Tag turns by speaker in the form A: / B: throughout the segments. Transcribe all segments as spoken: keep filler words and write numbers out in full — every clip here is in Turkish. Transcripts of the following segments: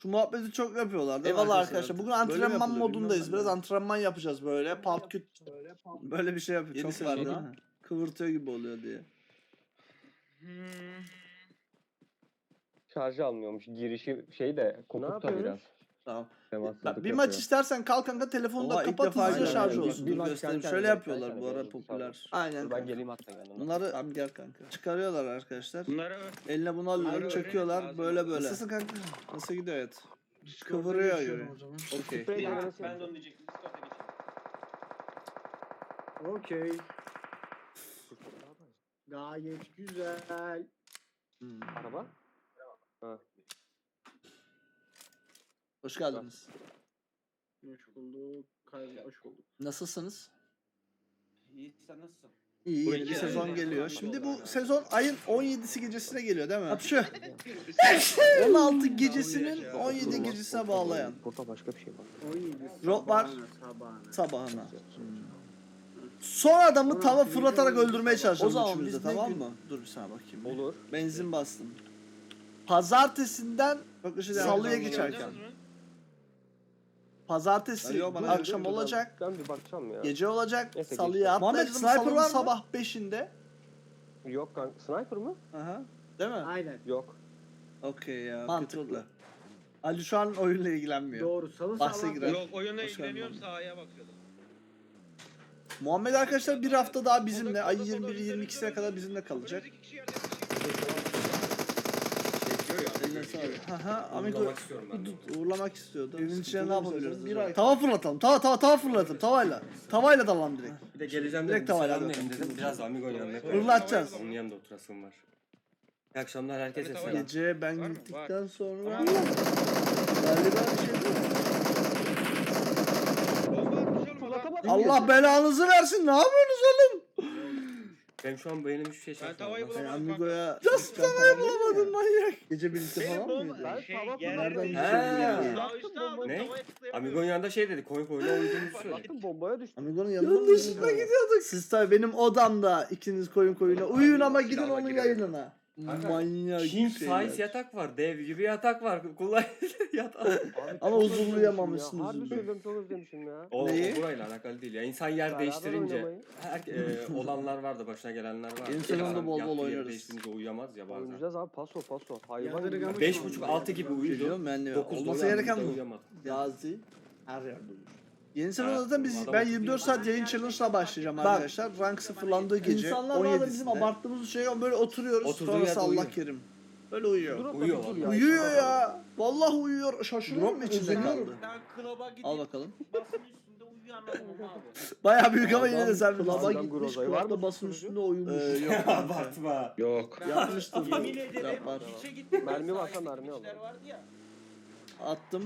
A: Şu muhabbeti çok yapıyorlar değil mi
B: Eyvallah
A: arkadaşlar?
B: arkadaşlar. Bugün
A: Böyle mi
B: antrenman
A: yapılıyor
B: modundayız.
A: bilmiyorum
B: Biraz
A: ben.
B: antrenman yapacağız böyle. Palt küt.
A: Böyle bir şey yapıyor.
B: Yeni
A: Çok var değil
B: sezonda.
A: mi? Kıvırtıyor gibi oluyor diye.
C: Hmm.
D: Şarjı almıyormuş. Girişi şey de kopukta biraz.
B: Tamam.
D: Temassızlık
B: Bak, bir
D: yapıyor.
B: maç istersen kalk kanka telefonu da
A: Oha, ilk
B: kapat
A: defa
B: hızlıca
A: görüyorum.
B: şarj
A: Bir-
B: olsun.
A: bir
B: Dur
A: maç
B: göstereyim.
A: kendi
B: Şöyle
A: kendine
B: yapıyorlar
D: kendi
B: bu ara
D: kendine
B: popüler.
A: Aynen.
D: Dur ben geleyim hatta yanına.
B: Bunları
A: Tamam gel kanka.
B: çıkarıyorlar arkadaşlar.
C: Bunları
B: Eline bunu alıyorlar,
C: Bunları
B: çekiyorlar
C: öğrenin,
B: böyle böyle.
A: Nasılsın kanka? Nasıl gidiyor hayat?
B: Kıvırıyor
E: geçiyorum
B: yürü.
E: o zaman.
B: Okey.
D: Sprey denemesi
C: ben de
D: yapacağım.
C: onu diyecektim. Discord'a geçelim.
E: Okey. Gayet güzel.
B: Hmm.
D: Araba.
B: Hoş geldiniz.
E: Hoş bulduk. Kaybolmuş hoş bulduk.
B: Nasılsınız?
C: İyi sen nasılsın?
B: İyi,
C: Bu
B: yeni bir
C: iki
B: sezon
C: ay-
B: geliyor.
C: ay-
B: Şimdi bu
C: ay-
B: sezon ayın on yedisi gecesine geliyor değil mi? Hapşı. on altı gecesinin on yedi gecesine bağlayan
D: Burada başka bir şey var.
E: on yedi
B: Rob var.
E: sabahına, sabahına.
B: sabahına. Son adamı
E: Ulan,
B: tava
E: bir
B: fırlatarak
E: de-
B: öldürmeye
A: O
B: çalışalım
A: zaman
B: üçümüz de,
A: biz ne
B: tamam
A: gün-
B: mı? Dur bir sana bakayım.
D: Olur.
B: Benzin bastım. Pazartesinden salıya
C: Gördünüz
B: geçerken.
C: mü?
B: Pazartesi
A: Alo, bana
B: akşam
D: Dur, dur,
B: olacak.
D: Ben bir bakacağım ya.
B: Gece olacak.
D: Neyse,
B: Salıya
D: geçti.
B: Muhammed
A: Muhammed,
B: sniper
A: sniper
B: var
A: var mı?
B: sabah beşinde.
D: Yok kanka. Sniper mı?
B: Aha. Değil mi?
E: Aynen.
D: Yok.
A: Okey ya.
B: Mantıklı. Ali şu an oyunla ilgilenmiyor.
E: Doğru. Salı
B: Bahse
E: sabah.
B: girer.
C: Yok oyunla
B: Hoş geldin
C: ilgileniyorum
B: abi.
C: sahaya bakıyordum.
B: Muhammed arkadaşlar bir hafta daha bizimle.
C: Solda,
B: Ay
C: solda,
B: yirmi bir
C: solda,
B: yirmi
C: önümüzde,
B: ikisine kadar
C: önümüzde.
B: bizimle kalacak.
C: Önümüzdeki kişi yerde bir şey. Çekiyor ya.
B: Eline sağlık. Haha amigo
F: Uğurlamak istiyorum ben de.
B: Dur, uğurlamak istiyordu. Evin içine ne
A: Sıkıntılı bir
B: yapabiliriz?
A: sezon,
B: Bir
A: bir
B: ay.
A: ay.
B: Tava fırlatalım. Tava tava tava fırlatalım. Tavayla. Tavayla dalalım direkt.
F: Bir de geleceğim
B: Direkt
F: dedim.
B: tavayla
F: Selamlayayım
B: alalım.
F: dedim. Biraz da Amigo'nun yanına
C: Fırlat-
F: koyayım.
B: Fırlatacağız.
F: Onun yanında oturasım var. İyi akşamlar herkese
C: Tabii,
F: selam.
C: tabii.
B: Gece ben
C: Var mı?
B: gittikten sonra
C: Tamam.
B: galiba bir şey değil mi?
C: Bomba atmış oğlum adam.
B: Allah belanızı versin. Ne yapıyorsunuz oğlum?
F: Benim şu an benim hiçbir şey
C: Ben
F: şaşırmam.
C: tavayı
B: Ben
C: bulamadım.
B: Amigo'ya just tavayı bulamadım manyak. Gece birlikte
C: Benim
B: falan
C: bomba
B: mıydı?
D: Ben
C: şey
D: tava
C: yer-
B: Nereden
F: He.
B: bir şey bilmiyorum.
C: Sağ üstte ama
F: Ne?
C: tavaya tıklayamıyorum.
F: Amigo'nun yanında şey dedi. Koyun koyuna uyduğumuzu söyledi.
D: Baktım bombaya düştü.
B: Amigo'nun yanına mı gidiyorduk? Siz tabii benim odamda ikiniz koyun koyuna uyuyun ama gidin
F: Silahla
B: onun
F: girelim.
B: yayınına.
F: Kanka,
B: Manyak
F: King
B: şeyler.
F: size yatak var. Dev gibi yatak var. Kullan yatak.
D: Abi
B: Ama
D: çok
B: huzurlayamamışsınız
D: özlemişim ya. Harbi
B: üzüldüm.
D: söylüyorum çok özlemişim ya.
F: O,
B: Neyi?
F: o burayla alakalı değil ya. İnsan yer
D: Beraber
F: değiştirince
D: oynamayı.
F: her, e, olanlar var da başına gelenler var.
B: Yeni sezonda
F: İnsan
B: bol bol
F: yattığı yeri
B: oynarız.
F: değiştirince uyuyamaz ya bazen.
D: Oynayacağız abi paso paso. Hayvan
E: Yadırgamış
D: gibi.
F: Beş buçuk altı gibi uyudu.
B: Biliyorum yani
F: Dokuzda
B: olması
F: uyandı,
B: gereken
F: bir de
B: bu.
F: uyuyamadı.
B: Gazi her yerde olur. Yeni sezon
F: Evet,
B: zaten biz
F: adam
B: ben
F: otuz
B: yirmi dört
F: bin
B: saat yayın challenge'la başlayacağım arkadaşlar. Rank sıfırlandığı gece
A: İnsanlar
B: on
A: bazen
B: yedisinde.
A: bizim
B: abarttığımız şey böyle oturuyoruz.
F: Oturduğu
B: Sonrası
F: yerde
B: Allah
F: uyuyor.
B: kerim. Böyle uyuyor.
D: Dur,
F: Uyuyor
D: dur
F: vallahi.
D: ya.
B: Uyuyor ya. Vallahi uyuyor. Şaşırıyorum
A: Drop
B: içinde
A: üzülüyorum.
B: kaldı.
C: Ben klaba gidip
B: Al bakalım.
C: basın üstünde uyuyan adamım abi.
B: Bayağı büyük ama yine de
A: Adam
B: sen
A: klaba
B: bilirsin.
D: Adam
A: gitmiş,
D: Groza'yı var
A: klapta
D: mı
A: basın
D: susturucu?
A: üstünde uyumuş.
B: Ee, yok.
F: Abartma.
C: Yok.
B: Yapmıştır.
C: Yemin ederim
B: Yapar.
C: hiçe gittim.
D: Mermi varsa
C: Sahilde
D: mermi al.
C: işler vardı ya.
B: Attım.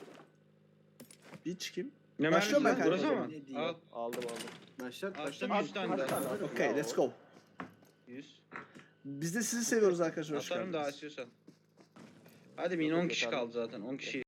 B: Hiç kim?
C: Ne
B: Başlıyorum ben
C: mermisi?
B: kanka.
C: Burası mı? Al.
D: Aldım aldım.
E: Başlat
C: Attım
E: başlat.
C: yüz tane
D: Kaç
C: daha.
D: tane?
B: Okay, let's go.
C: yüz.
B: Biz de sizi seviyoruz arkadaşlar. Hoş
C: Atarım daha
B: geldiniz.
C: istiyorsan. Hadi bin on kişi kaldı zaten. on kişi.